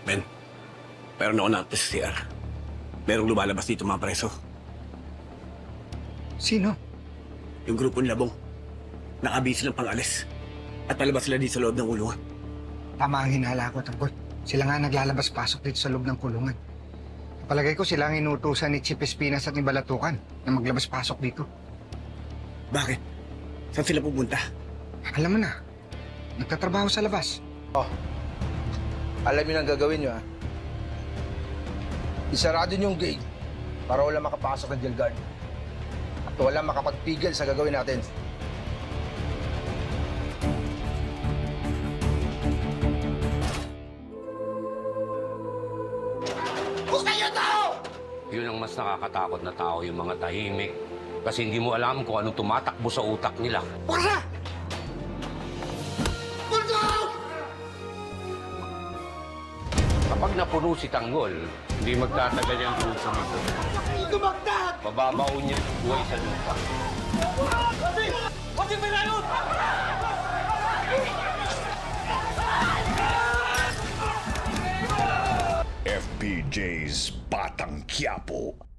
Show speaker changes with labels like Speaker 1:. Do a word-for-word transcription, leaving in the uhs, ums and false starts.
Speaker 1: Ben, meron ako natin sa C R. Merong lumalabas dito mga preso.
Speaker 2: Sino?
Speaker 1: Yung grupo ni Labong. Nakabisi ng pang-alis. At palabas sila dito sa loob ng kulungan.
Speaker 2: Tama ang hinala ko, Tangkol. Sila nga naglalabas-pasok dito sa loob ng kulungan. Palagay ko sila ang inutusan ni Chief Espinas at ni Balatukan na maglabas-pasok dito.
Speaker 1: Bakit? Saan sila pupunta?
Speaker 2: Alam mo na, nagtatrabaho sa labas.
Speaker 3: Alam niyo ang gagawin niyo, ha? Isarado niyo yung gate para wala makapasok ng jail guard. At wala makapagpigil sa gagawin natin.
Speaker 4: Yun ang mas nakakatakot na tao, yung mga tahimik. Kasi hindi mo alam kung anong tumatakbo sa utak nila.
Speaker 3: Pura!
Speaker 4: Kapag napuno si Tanggol, hindi magtatagal yung puso nito. Bababaon niya ang buhay sa lupa.
Speaker 5: F P J's Batang Quiapo.